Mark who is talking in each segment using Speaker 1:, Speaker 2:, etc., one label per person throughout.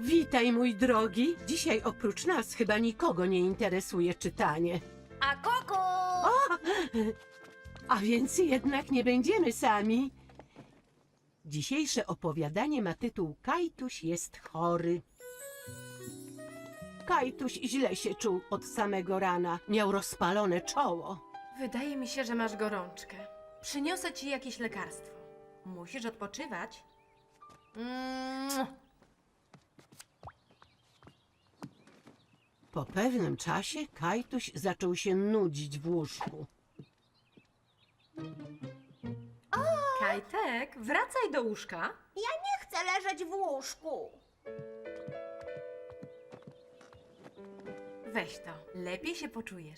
Speaker 1: Witaj, mój drogi. Dzisiaj oprócz nas chyba nikogo nie interesuje czytanie.
Speaker 2: A Koko!
Speaker 1: A więc jednak nie będziemy sami. Dzisiejsze opowiadanie ma tytuł Kajtuś jest chory. Kajtuś źle się czuł od samego rana. Miał rozpalone czoło.
Speaker 2: Wydaje mi się, że masz gorączkę. Przyniosę ci jakieś lekarstwo. Musisz odpoczywać.
Speaker 1: Po pewnym czasie Kajtuś zaczął się nudzić w łóżku.
Speaker 2: Kajtek, wracaj do łóżka.
Speaker 3: Nie chcę leżeć w łóżku.
Speaker 2: Weź to, lepiej się poczujesz.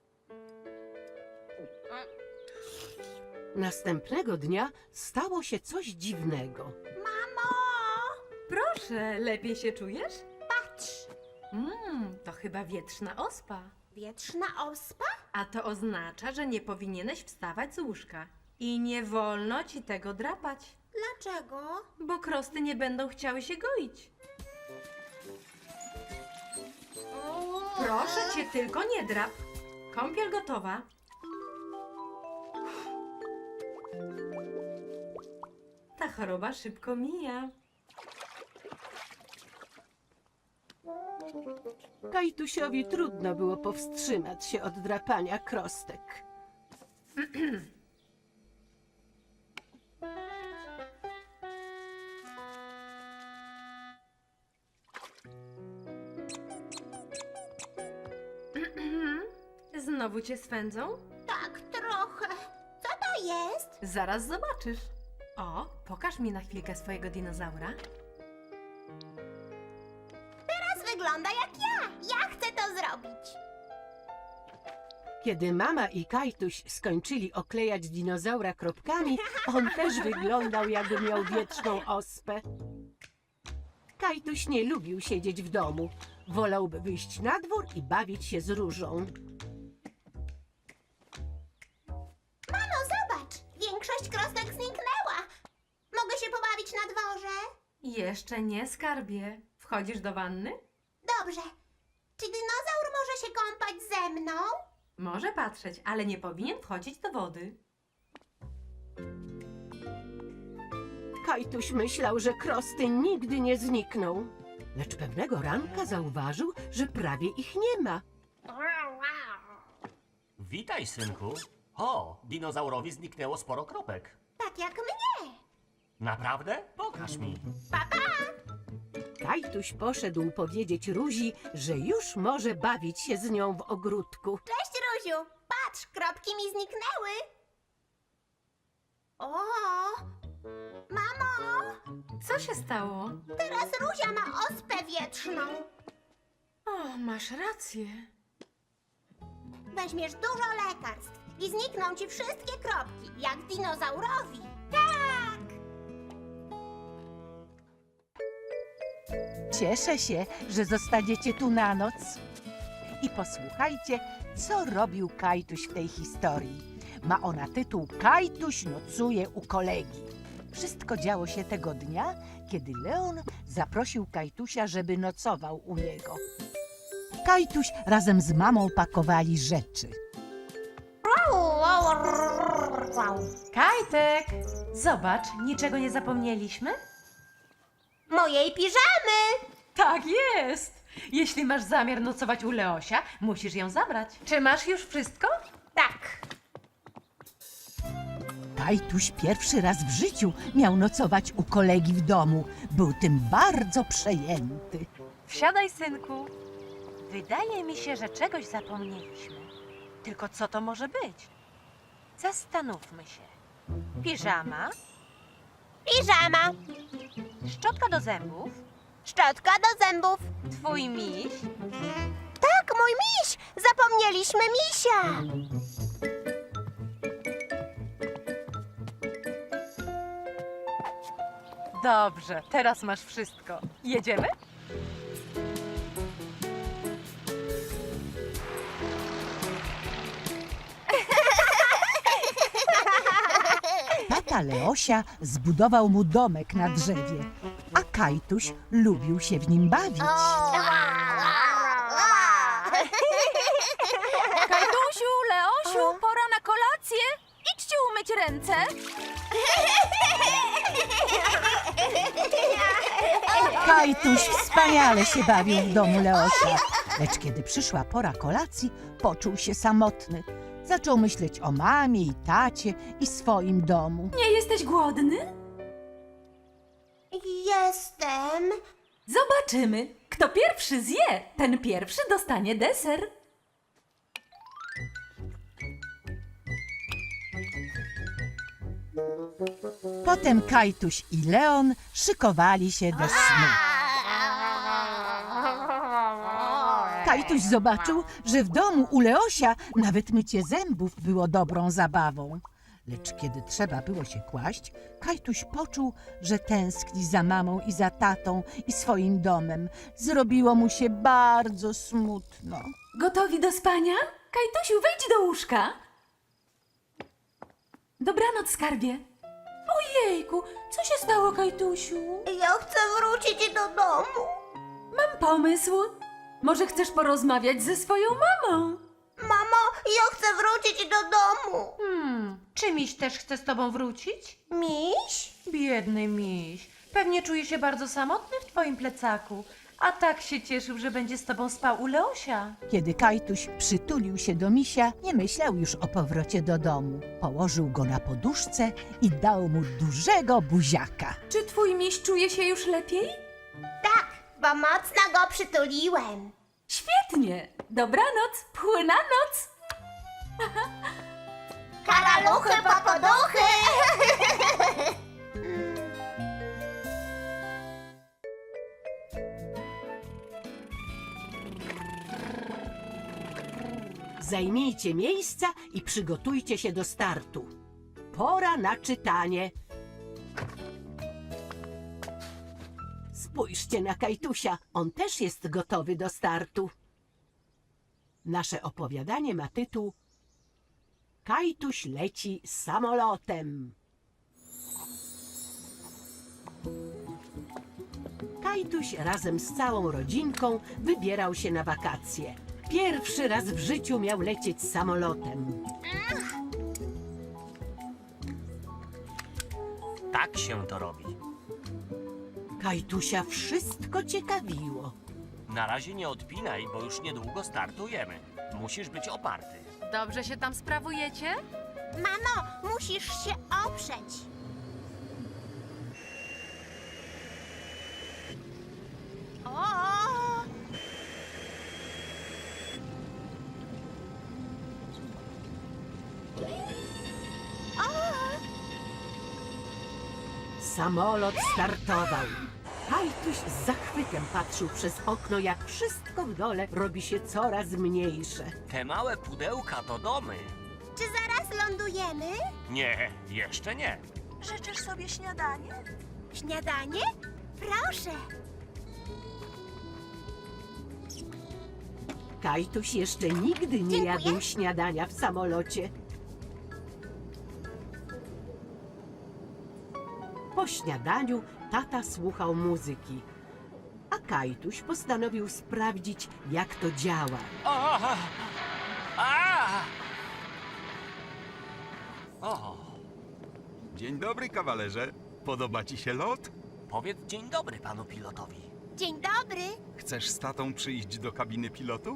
Speaker 1: Następnego dnia stało się coś dziwnego.
Speaker 3: Mamo,
Speaker 2: Proszę, lepiej się czujesz?
Speaker 3: patrz.
Speaker 2: To chyba wietrzna ospa.
Speaker 3: Wietrzna ospa?
Speaker 2: A to oznacza, że nie powinieneś wstawać z łóżka. I nie wolno ci tego drapać,
Speaker 3: Dlaczego?
Speaker 2: bo krosty nie będą chciały się goić. Proszę cię, tylko nie drap. Kąpiel gotowa. Ta choroba szybko mija.
Speaker 1: Kajtusiowi trudno było powstrzymać się od drapania krostek.
Speaker 2: Znowu cię swędzą?
Speaker 3: Tak, trochę. Co to jest?
Speaker 2: Zaraz zobaczysz. O, pokaż mi na chwilkę swojego dinozaura.
Speaker 3: Teraz wygląda jak ja. Ja chcę to zrobić.
Speaker 1: Kiedy mama i Kajtuś skończyli oklejać dinozaura kropkami, on też wyglądał, jakby miał wietrzną ospę. Kajtuś nie lubił siedzieć w domu. Wolałby wyjść na dwór i bawić się z Różą.
Speaker 3: Mamo, zobacz. Większość krostek zniknęła. Mogę się pobawić na dworze?
Speaker 2: Jeszcze nie, skarbie. Wchodzisz do wanny?
Speaker 3: Dobrze. Czy dinozaur może się kąpać ze mną?
Speaker 2: Może patrzeć, ale nie powinien wchodzić do wody.
Speaker 1: Kajtuś myślał, że krosty nigdy nie znikną. Lecz pewnego ranka zauważył, że prawie ich nie ma.
Speaker 4: Witaj, synku. O, dinozaurowi zniknęło sporo kropek.
Speaker 3: Tak jak mnie.
Speaker 4: Naprawdę? Pokaż mi.
Speaker 1: Kajtuś poszedł powiedzieć Ruzi, że już może bawić się z nią w ogródku.
Speaker 3: Cześć, Ruziu. Patrz, kropki mi zniknęły. O, mamo,
Speaker 2: Co się stało?
Speaker 3: teraz Ruzia ma ospę wietrzną.
Speaker 2: O, masz rację.
Speaker 3: Weźmiesz dużo lekarstw i znikną ci wszystkie kropki, jak dinozaurowi. Tak!
Speaker 5: Cieszę się, że zostaniecie tu na noc. I posłuchajcie, co robił Kajtuś w tej historii. Ma ona tytuł Kajtuś nocuje u kolegi. Wszystko działo się tego dnia, kiedy Leon zaprosił Kajtusia, żeby nocował u niego. Kajtuś razem z mamą pakowali rzeczy.
Speaker 2: Kajtek! Zobacz, niczego nie zapomnieliśmy?
Speaker 3: Mojej piżamy!
Speaker 2: Tak jest! Jeśli masz zamiar nocować u Leosia, musisz ją zabrać. Czy masz już wszystko?
Speaker 3: Tak.
Speaker 5: Kajtuś pierwszy raz w życiu miał nocować u kolegi w domu. Był tym bardzo przejęty.
Speaker 6: Wsiadaj, synku. Wydaje mi się, że czegoś zapomnieliśmy. Tylko co to może być? Zastanówmy się. Piżama,
Speaker 3: Piżama,
Speaker 6: szczotka do zębów,
Speaker 3: szczotka do zębów.
Speaker 6: twój miś,
Speaker 3: Tak, mój miś! Zapomnieliśmy misia!
Speaker 6: Dobrze, teraz masz wszystko. Jedziemy?
Speaker 5: Tata Leosia zbudował mu domek na drzewie, a Kajtuś lubił się w nim bawić.
Speaker 7: Kajtusiu, Leosiu, pora na kolację. Idźcie umyć ręce.
Speaker 5: Kajtuś wspaniale się bawił w domu Leosia, lecz kiedy przyszła pora kolacji, poczuł się samotny. Zaczął myśleć o mamie i tacie i swoim domu.
Speaker 7: Nie jesteś głodny?
Speaker 3: Jestem.
Speaker 7: Zobaczymy. Kto pierwszy zje, ten pierwszy dostanie deser.
Speaker 5: Potem Kajtuś i Leon szykowali się do snu. Kajtuś zobaczył, że w domu u Leosia nawet mycie zębów było dobrą zabawą. Lecz kiedy trzeba było się kłaść, Kajtuś poczuł, że tęskni za mamą i za tatą i swoim domem. Zrobiło mu się bardzo smutno.
Speaker 7: Gotowi do spania? Kajtusiu, wejdź do łóżka. Dobranoc, skarbie. Ojejku, co się stało, Kajtusiu?
Speaker 3: Ja chcę wrócić do domu.
Speaker 7: Mam pomysł. Może chcesz porozmawiać ze swoją mamą?
Speaker 3: Mamo, ja chcę wrócić do domu.
Speaker 2: Czy miś też chce z tobą wrócić?
Speaker 3: Miś?
Speaker 2: Biedny miś. Pewnie czuje się bardzo samotny w twoim plecaku. A tak się cieszył, że będzie z tobą spał u Leosia.
Speaker 5: Kiedy Kajtuś przytulił się do misia, nie myślał już o powrocie do domu. Położył go na poduszce i dał mu dużego buziaka.
Speaker 7: Czy twój miś czuje się już lepiej?
Speaker 3: Tak, bo mocno go przytuliłem.
Speaker 7: Świetnie. Dobranoc, płyna noc.
Speaker 3: Karaluchy, popoduchy.
Speaker 1: Zajmijcie miejsca i przygotujcie się do startu. Pora na czytanie. Spójrzcie na Kajtusia, on też jest gotowy do startu. Nasze opowiadanie ma tytuł Kajtuś leci samolotem. Kajtuś razem z całą rodzinką wybierał się na wakacje. Pierwszy raz w życiu miał lecieć samolotem.
Speaker 4: Tak się to robi.
Speaker 1: Kajtusia wszystko ciekawiło.
Speaker 4: Na razie nie odpinaj, bo już niedługo startujemy. Musisz być oparty.
Speaker 6: Dobrze się tam sprawujecie?
Speaker 3: Mamo, musisz się oprzeć. O!
Speaker 1: Samolot startował. Kajtuś z zachwytem patrzył przez okno, jak wszystko w dole robi się coraz mniejsze.
Speaker 4: Te małe pudełka to domy.
Speaker 3: Czy zaraz lądujemy?
Speaker 4: Nie, jeszcze nie.
Speaker 3: Życzysz sobie śniadanie? Śniadanie? Proszę.
Speaker 1: Kajtuś jeszcze nigdy nie
Speaker 3: Dziękuję.
Speaker 1: jadł śniadania w samolocie. Po śniadaniu tata słuchał muzyki, a Kajtuś postanowił sprawdzić, jak to działa.
Speaker 4: A! A! O,
Speaker 8: Dzień dobry, kawalerze. Podoba ci się lot?
Speaker 4: powiedz dzień dobry panu pilotowi.
Speaker 3: Dzień dobry.
Speaker 8: Chcesz z tatą przyjść do kabiny pilotów?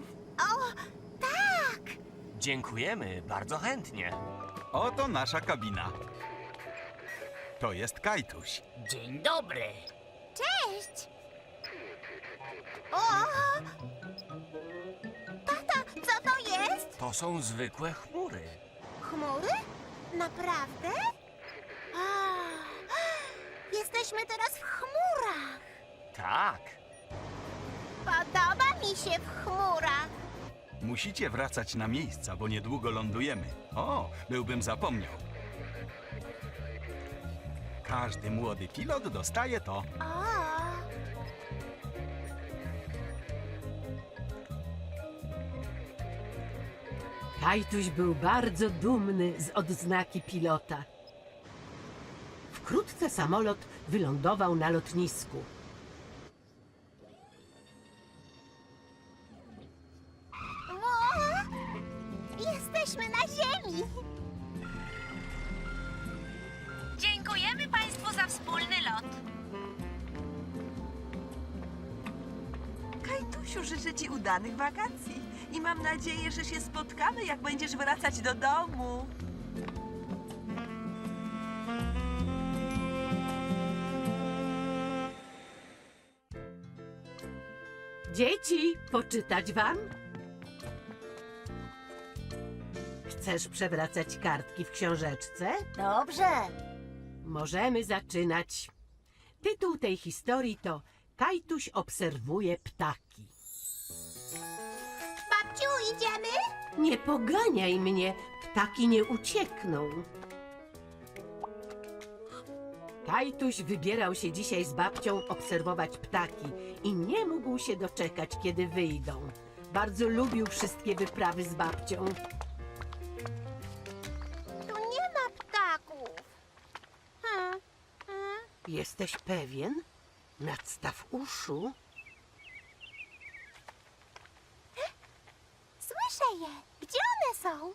Speaker 4: Dziękujemy, bardzo chętnie.
Speaker 8: Oto nasza kabina. To jest Kajtuś.
Speaker 4: Dzień dobry.
Speaker 3: Cześć. O! Tata, co to jest?
Speaker 4: To są zwykłe chmury.
Speaker 3: Chmury? Naprawdę? A, jesteśmy teraz w chmurach.
Speaker 4: Tak.
Speaker 3: Podoba mi się w chmurach.
Speaker 8: Musicie wracać na miejsca, bo niedługo lądujemy. O, byłbym zapomniał. Każdy młody pilot dostaje to.
Speaker 3: O!
Speaker 1: Kajtuś był bardzo dumny z odznaki pilota. Wkrótce samolot wylądował na lotnisku.
Speaker 3: Ło! Jesteśmy na ziemi!
Speaker 6: Dziękujemy Państwu za wspólny lot.
Speaker 9: Kajtusiu, życzę Ci udanych wakacji i mam nadzieję, że się spotkamy, jak będziesz wracać do domu.
Speaker 1: Dzieci, poczytać wam? Chcesz przewracać kartki w książeczce?
Speaker 3: Dobrze.
Speaker 1: Możemy zaczynać. Tytuł tej historii to Kajtuś obserwuje ptaki.
Speaker 3: Babciu, idziemy?
Speaker 1: Nie poganiaj mnie, ptaki nie uciekną. Kajtuś wybierał się dzisiaj z babcią obserwować ptaki i nie mógł się doczekać, kiedy wyjdą. Bardzo lubił wszystkie wyprawy z babcią.
Speaker 3: Tu nie ma ptaków.
Speaker 1: Jesteś pewien? Nadstaw uszu.
Speaker 3: Słyszę je. Gdzie one są?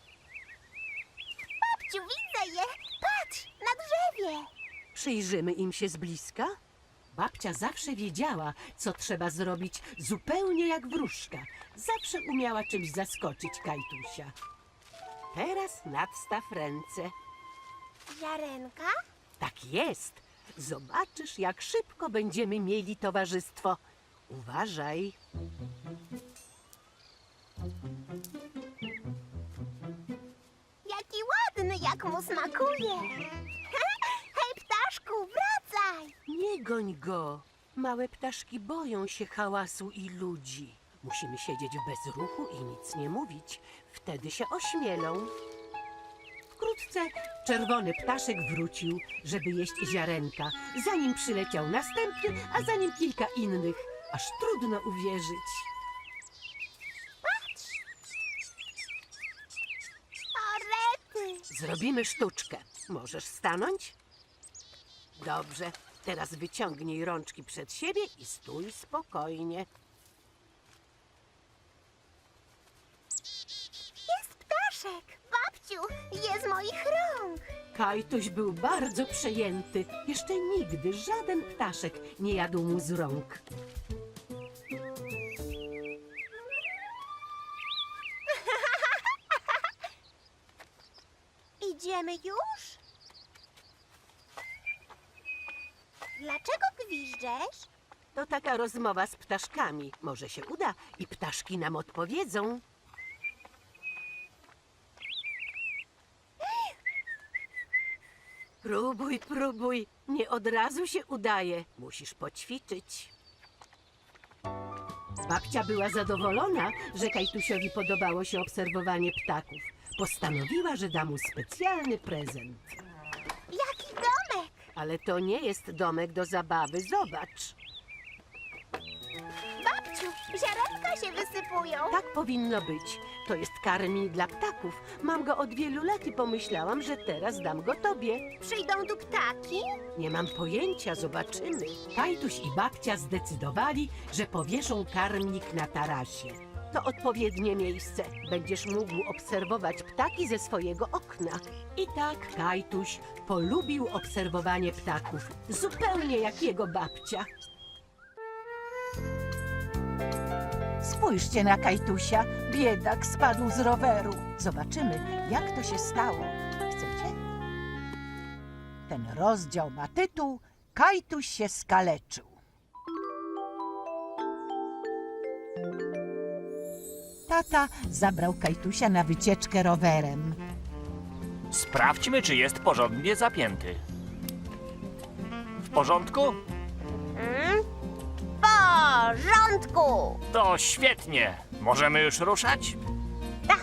Speaker 3: Babciu, widzę je. Patrz, na drzewie.
Speaker 1: Przyjrzymy im się z bliska. Babcia zawsze wiedziała, co trzeba zrobić, zupełnie jak wróżka. Zawsze umiała czymś zaskoczyć Kajtusia. Teraz nadstaw ręce.
Speaker 3: Ziarenka?
Speaker 1: Tak jest. Zobaczysz, jak szybko będziemy mieli towarzystwo. Uważaj.
Speaker 3: Jaki ładny, jak mu smakuje. Hej, ptaszku, wracaj.
Speaker 1: Nie goń go. Małe ptaszki boją się hałasu i ludzi. Musimy siedzieć w bezruchu i nic nie mówić. Wtedy się ośmielą. Wkrótce czerwony ptaszek wrócił, żeby jeść ziarenka. Zanim przyleciał następny, a za nim kilka innych. Aż trudno uwierzyć.
Speaker 3: O, rety.
Speaker 1: Zrobimy sztuczkę. Możesz stanąć? Dobrze. Teraz wyciągnij rączki przed siebie i stój spokojnie.
Speaker 3: Jest ptaszek. Babciu, je z moich rąk.
Speaker 1: Kajtuś był bardzo przejęty. Jeszcze nigdy żaden ptaszek nie jadł mu z rąk.
Speaker 3: Idziemy już? Dlaczego gwiżdżesz?
Speaker 1: To taka rozmowa z ptaszkami. Może się uda i ptaszki nam odpowiedzą. Próbuj, próbuj. Nie od razu się udaje. Musisz poćwiczyć. Babcia była zadowolona, że Kajtusiowi podobało się obserwowanie ptaków. Postanowiła, że da mu specjalny prezent.
Speaker 3: Jaki domek?
Speaker 1: Ale to nie jest domek do zabawy. Zobacz.
Speaker 3: Babciu, ziarenka się wysypują.
Speaker 1: Tak powinno być. To jest karmi dla ptaków. Mam go od wielu lat i pomyślałam, że teraz dam go tobie.
Speaker 3: Przyjdą tu ptaki?
Speaker 1: Nie mam pojęcia, zobaczymy. Kajtuś i babcia zdecydowali, że powieszą karmnik na tarasie. To odpowiednie miejsce. Będziesz mógł obserwować ptaki ze swojego okna. I tak Kajtuś polubił obserwowanie ptaków. Zupełnie jak jego babcia.
Speaker 5: Spójrzcie na Kajtusia. Biedak spadł z roweru. Zobaczymy, jak to się stało. Chcecie? Ten rozdział ma tytuł Kajtuś się skaleczył. Tata zabrał Kajtusia na wycieczkę rowerem.
Speaker 10: Sprawdźmy, czy jest porządnie zapięty. W porządku?
Speaker 3: W porządku.
Speaker 10: To świetnie. Możemy już ruszać?
Speaker 3: Tak.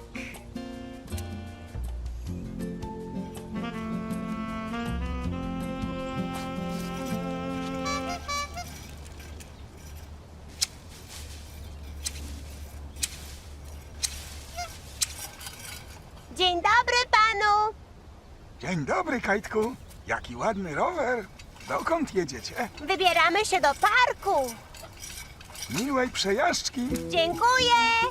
Speaker 3: Dzień dobry panu.
Speaker 11: Dzień dobry, Kajtku. Jaki ładny rower. Dokąd jedziecie?
Speaker 3: Wybieramy się do parku.
Speaker 11: Miłej przejażdżki.
Speaker 3: Dziękuję.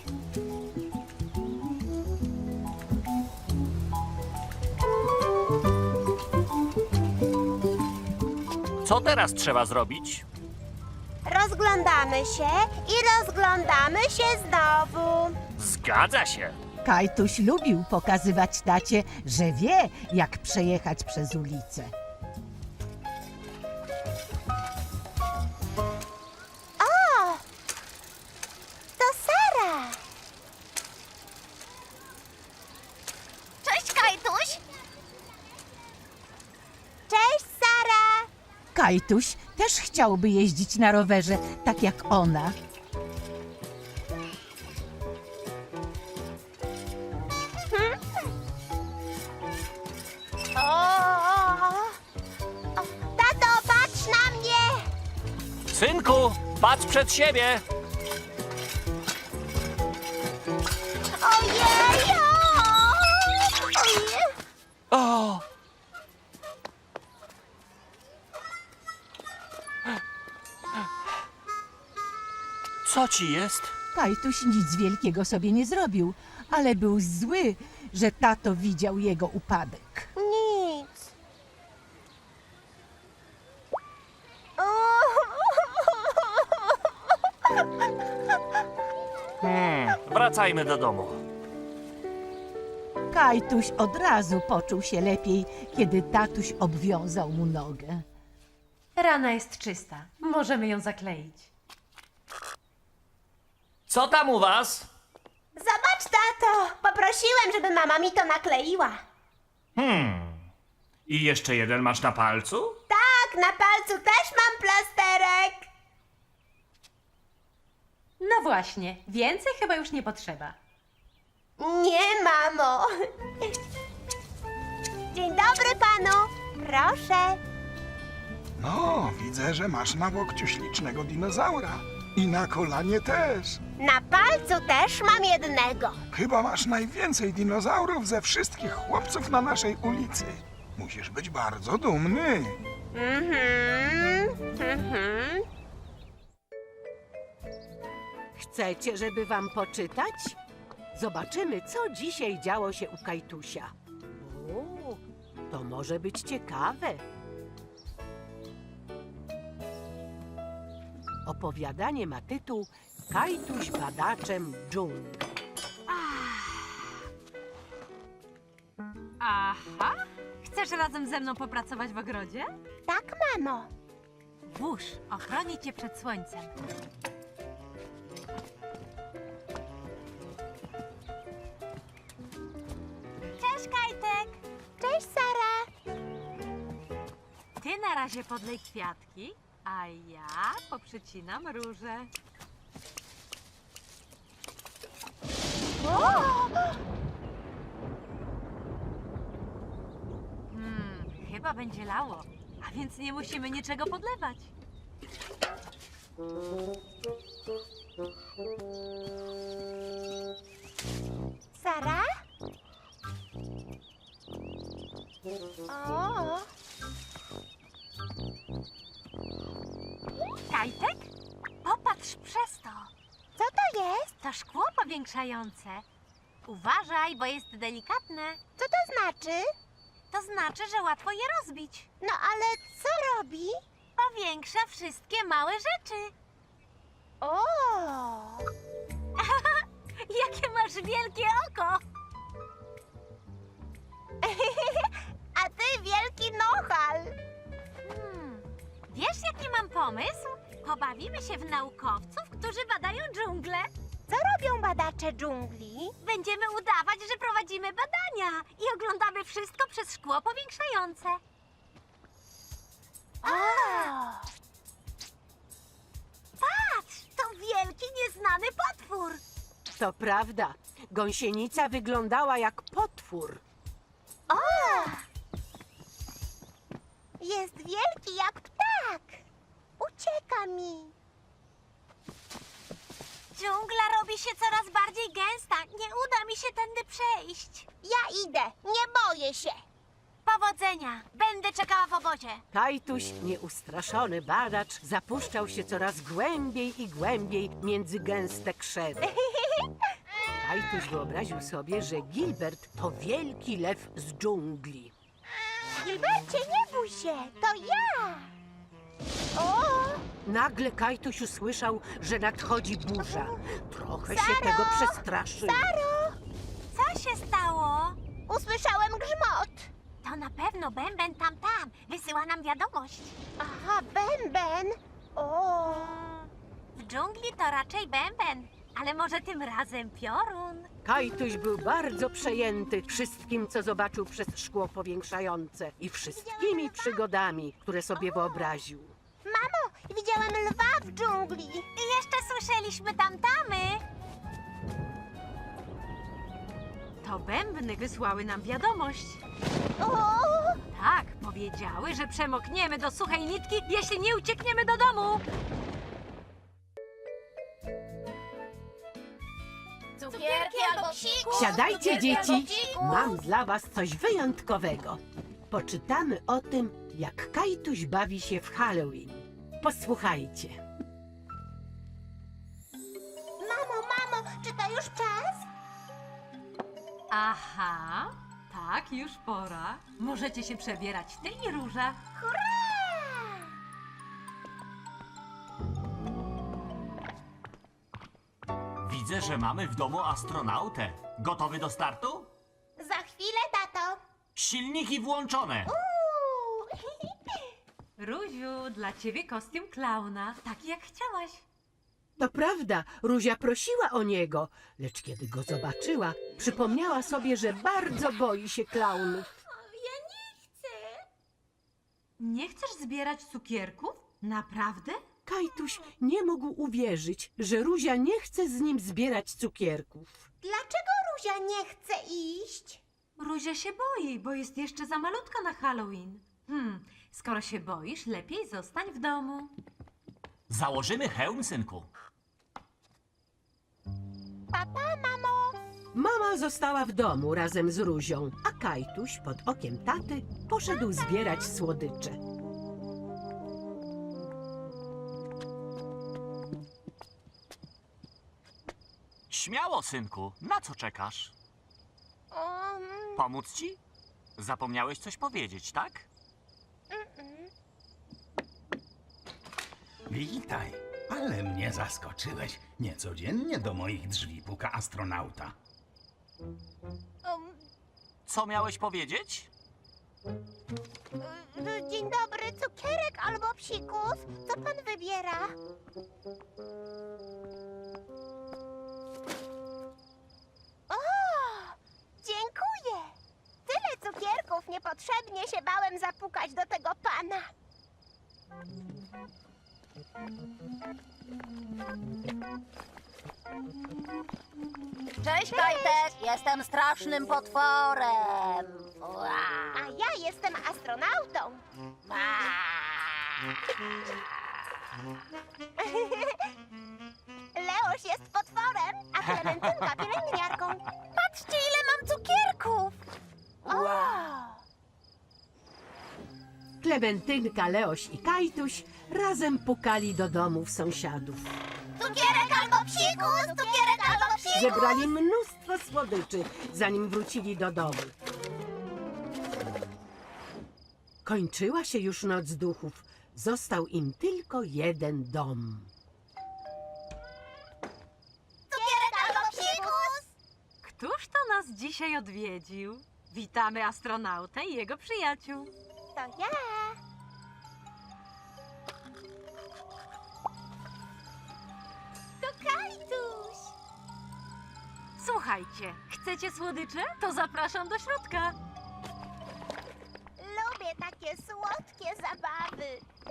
Speaker 10: Co teraz trzeba zrobić?
Speaker 3: Rozglądamy się i rozglądamy się znowu.
Speaker 10: Zgadza się.
Speaker 5: Kajtuś lubił pokazywać tacie, że wie, jak przejechać przez ulicę.
Speaker 3: O! To Sara. Cześć, Kajtuś. Cześć, Sara.
Speaker 5: Kajtuś też chciałby jeździć na rowerze, tak jak ona.
Speaker 3: Tato, patrz na mnie.
Speaker 10: Synku, patrz przed siebie.
Speaker 3: Ojej! Ojej!
Speaker 10: O! Co ci jest?
Speaker 5: Kajtuś nic wielkiego sobie nie zrobił, ale był zły, że tato widział jego upadek.
Speaker 3: Nic.
Speaker 10: Wracajmy do domu.
Speaker 5: Kajtuś od razu poczuł się lepiej, kiedy tatuś obwiązał mu nogę.
Speaker 2: Rana jest czysta. Możemy ją zakleić.
Speaker 10: Co tam u was?
Speaker 3: Zobacz, tato. Poprosiłem, żeby mama mi to nakleiła.
Speaker 10: I jeszcze jeden masz na palcu?
Speaker 3: Tak, na palcu też mam plasterek.
Speaker 2: No właśnie, więcej chyba już nie potrzeba.
Speaker 3: Nie, mamo. Dzień dobry panu. Proszę.
Speaker 11: No, widzę, że masz na łokciu ślicznego dinozaura. I na kolanie też.
Speaker 3: Na palcu też mam jednego.
Speaker 11: Chyba masz najwięcej dinozaurów ze wszystkich chłopców na naszej ulicy. Musisz być bardzo dumny.
Speaker 1: Chcecie, żeby wam poczytać? Zobaczymy, co dzisiaj działo się u Kajtusia. O, to może być ciekawe. Opowiadanie ma tytuł Kajtuś badaczem dżungli.
Speaker 6: Aha! Chcesz razem ze mną popracować w ogrodzie?
Speaker 3: Tak, mamo.
Speaker 6: Wóż ochroni cię przed słońcem. Cześć, Kajtek!
Speaker 3: Cześć, Sara.
Speaker 6: Ty na razie podlej kwiatki, a ja poprzycinam róże. Chyba będzie lało, a więc nie musimy niczego podlewać.
Speaker 3: Sara? O,
Speaker 6: Kajtek? Popatrz przez to.
Speaker 3: co to jest?
Speaker 6: To szkło powiększające. Uważaj, bo jest delikatne.
Speaker 3: Co to znaczy?
Speaker 6: To znaczy, że łatwo je rozbić.
Speaker 3: No ale co robi?
Speaker 6: Powiększa wszystkie małe rzeczy.
Speaker 3: O,
Speaker 6: Jakie masz wielkie oko!
Speaker 3: a ty wielki nohal.
Speaker 6: Wiesz, jaki mam pomysł? Pobawimy się w naukowców, którzy badają dżunglę.
Speaker 3: Co robią badacze dżungli?
Speaker 6: Będziemy udawać, że prowadzimy badania i oglądamy wszystko przez szkło powiększające. Patrz, to wielki, nieznany potwór.
Speaker 1: To prawda, gąsienica wyglądała jak potwór.
Speaker 3: Jest wielki jak ptak. Ucieka mi.
Speaker 6: Dżungla robi się coraz bardziej gęsta. Nie uda mi się tędy przejść.
Speaker 3: Ja idę, nie boję się. Powodzenia! Będę czekała w obozie.
Speaker 1: Kajtuś, nieustraszony badacz, zapuszczał się coraz głębiej i głębiej między gęste krzewy. Kajtuś wyobraził sobie, że Gilbert to wielki lew z dżungli.
Speaker 3: Gilbercie, nie bój się, to ja! O!
Speaker 1: Nagle Kajtuś usłyszał, że nadchodzi burza. Trochę się tego przestraszył.
Speaker 3: Co się stało? Usłyszałem grzmot. To na pewno Bęben tam. Wysyła nam wiadomość. Aha, Bęben. O. W dżungli to raczej Bęben, ale może tym razem piorun.
Speaker 1: Kajtuś był bardzo przejęty wszystkim, co zobaczył przez szkło powiększające i wszystkimi przygodami, które sobie wyobraził.
Speaker 3: Mamo, widziałem lwa w dżungli. I jeszcze słyszeliśmy tamtamy.
Speaker 6: To bębny wysłały nam wiadomość.
Speaker 3: O!
Speaker 6: Tak, powiedziały, że przemokniemy do suchej nitki, jeśli nie uciekniemy do domu.
Speaker 3: Cukierki albo psikus.
Speaker 1: Siadajcie, dzieci!
Speaker 3: psikus.
Speaker 1: Mam dla was coś wyjątkowego. Poczytamy o tym, jak Kajtuś bawi się w Halloween. Posłuchajcie.
Speaker 3: Mamo, czy to już czas?
Speaker 2: Aha, tak, już pora. Możecie się przebierać, ty i Róża.
Speaker 4: Widzę, że mamy w domu astronautę. Gotowy do startu?
Speaker 3: Za chwilę, tato.
Speaker 4: Silniki włączone.
Speaker 2: Róziu, dla ciebie kostium klauna, taki jak chciałaś.
Speaker 1: To prawda, Ruzia prosiła o niego, lecz kiedy go zobaczyła, przypomniała sobie, że bardzo boi się klaunów.
Speaker 3: Ja nie chcę.
Speaker 2: Nie chcesz zbierać cukierków? Naprawdę?
Speaker 1: Kajtuś nie mógł uwierzyć, że Ruzia nie chce z nim zbierać cukierków.
Speaker 3: Dlaczego Ruzia nie chce iść?
Speaker 2: Ruzia się boi, bo jest jeszcze za malutka na Halloween. Skoro się boisz, lepiej zostań w domu.
Speaker 4: Założymy hełm, synku.
Speaker 3: Papa, mamo.
Speaker 1: Mama została w domu razem z Ruzią, a Kajtuś pod okiem taty poszedł zbierać słodycze.
Speaker 10: Śmiało, synku. Na co czekasz? Pomóc ci? Zapomniałeś coś powiedzieć, tak?
Speaker 12: Witaj, ale mnie zaskoczyłeś. Niecodziennie do moich drzwi puka astronauta.
Speaker 10: Co miałeś powiedzieć?
Speaker 3: Dzień dobry, cukierek albo psikus? Co pan wybiera? O, dziękuję. Tyle cukierków, niepotrzebnie się bałem zapukać do tego pana.
Speaker 13: Cześć, Kajtek! Jestem strasznym potworem.
Speaker 3: A ja jestem astronautą. Leoś jest potworem, a Klementynka pielęgniarką. Patrzcie, ile mam cukierków!
Speaker 1: Klementynka, Leoś i Kajtuś razem pukali do domów sąsiadów.
Speaker 3: Cukierek albo psikus! Cukierek albo psikus!
Speaker 1: Zebrali mnóstwo słodyczy, zanim wrócili do domu. Kończyła się już noc duchów. Został im tylko jeden dom.
Speaker 3: Cukierek albo psikus!
Speaker 6: Któż to nas dzisiaj odwiedził? Witamy astronautę i jego przyjaciół.
Speaker 3: To ja. To Kajtuś.
Speaker 6: Słuchajcie, chcecie słodycze? To zapraszam do środka.
Speaker 3: Lubię takie słodkie zabawy.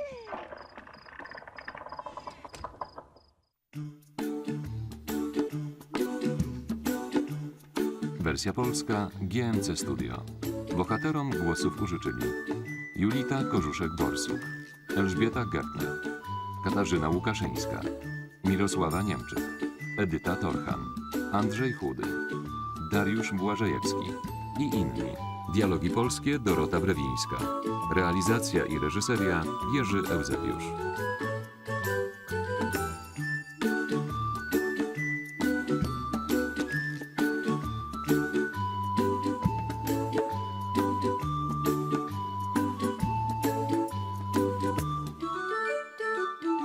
Speaker 14: Wersja polska GMC Studio. Bohaterom głosów użyczyli Julita Korzuszek-Borsuk, Elżbieta Gertner, Katarzyna Łukaszyńska, Mirosława Niemczyk, Edyta Torchan, Andrzej Chudy, Dariusz Błażejewski i inni. Dialogi polskie Dorota Brewińska. Realizacja i reżyseria Jerzy Eusebiusz.